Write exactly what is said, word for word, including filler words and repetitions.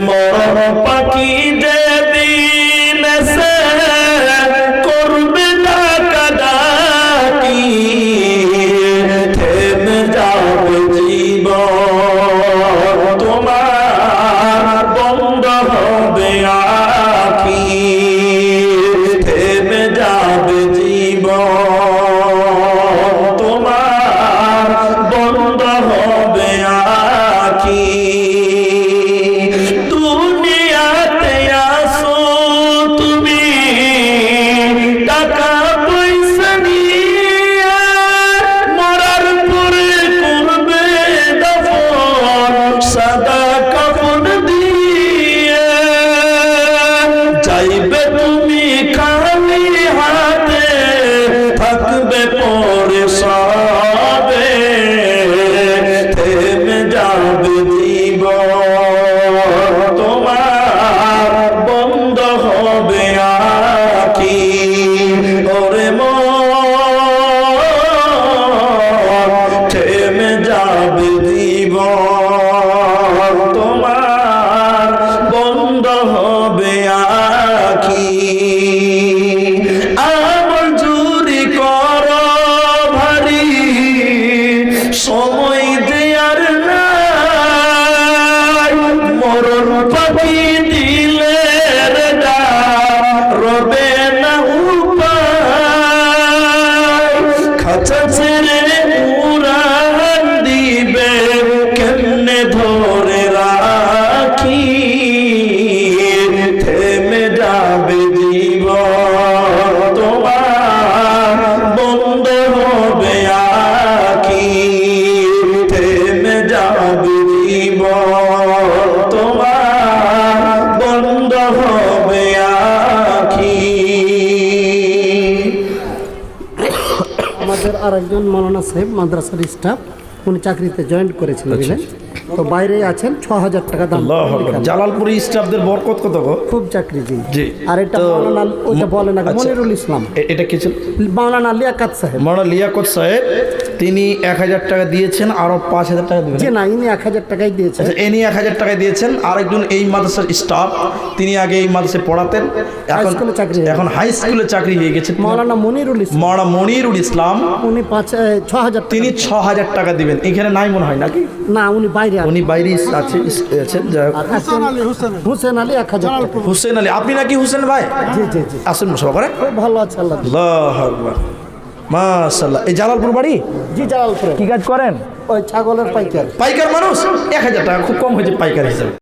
মরণ পাখি যেদিন সে করবে ডাকাডাকি, থেমে যাবে জীবন তোমার, বন্ধ হবে আখি, থেমে যাবে জীবন তোমার, বন্ধ হবে আখি। দুনিয়াতে আসো তুমি টাকা পয়সা নিয়ে, মরার পরে করবে দাফন সাদা কাফন দিয়ে, যাইবে তুমি খালি হাতে, থাকবে পরে সবে, থেমে যাবে জীবন তোমার, বন্ধ হবে আখি। ওরে মন, থেমে যাবে জীবন তোমার, বন্ধ হবে আখি। আমল জুরি কর ভারী, সময় দেয়ার নাই, মরণ পাখি দিলে রবে না উপায়, খাঁচা ছেড়ে উড়ান দিবে কেমনে ধরে রাখি, থেমে যাবে জীবন তোমার, বন্ধ হবে আখি, থেমে যাবে জীবন তোমার, বন্ধ হবে আখি। আমাদের আরেকজন মৌলানা সাহেব মাদ্রাসার স্টাফ, উনি চাকরিতে জয়েন করেছিলেন, বুঝলেন তো বাইরে আছেন, ছ হাজার টাকা দাম। জালালপুরি স্টাফদের বরকত কত গো? খুব চাকরি জি। জি। আর এটা মৌলানা, ওইটা বলে না, মনিরুল ইসলাম। এ- এটা কি ছিল? মৌলানা লিয়াকাত সাহেব। মৌলানা লিয়াকত সাহেব, তিনি এক হাজার টাকা দিয়েছেন, আরো পাঁচ হাজার টাকা দিবেন। যে না, ইনি এক হাজার টাকাই দিয়েছেন। আচ্ছা, ইনি এক হাজার টাকা দিয়েছেন। আরেকজন এই মাদ্রাসার স্টাফ, তিনি আগে এই মাদ্রাসায় পড়াতেন, এখন স্কুলে চাকরি হয়ে এখন হাই স্কুলে চাকরি হয়ে গেছে। মৌলানা মনিরুল ইসলাম, মৌলানা মনিরুল ইসলাম, উনি পাঁচ এ, ছ হাজার টাকা। তিনি ছ হাজার টাকা দিবেন। এখানে নাই মনে হয় নাকি? না, উনি বাইরে আছেন। উনি বাইরে আছে, আছেন। যাই হোক। আর একজন হুসেন আলী এক হাজার টাকা। হুসেন আলী, আপনি নাকি হুসেন ভাই? জি জি জি, আসেন সবাই। খুব ভালো আছে আল্লাহ। আল্লাহু আকবার, মাশাআল্লাহ। এই জালালপুর বাড়ি? জি, জালালপুরে। কি কাজ করেন? ওই ছাগলের পাইকার। পাইকার মানুষ, এক হাজার টাকা খুব কম হয়েছে পাইকার হিসাবে।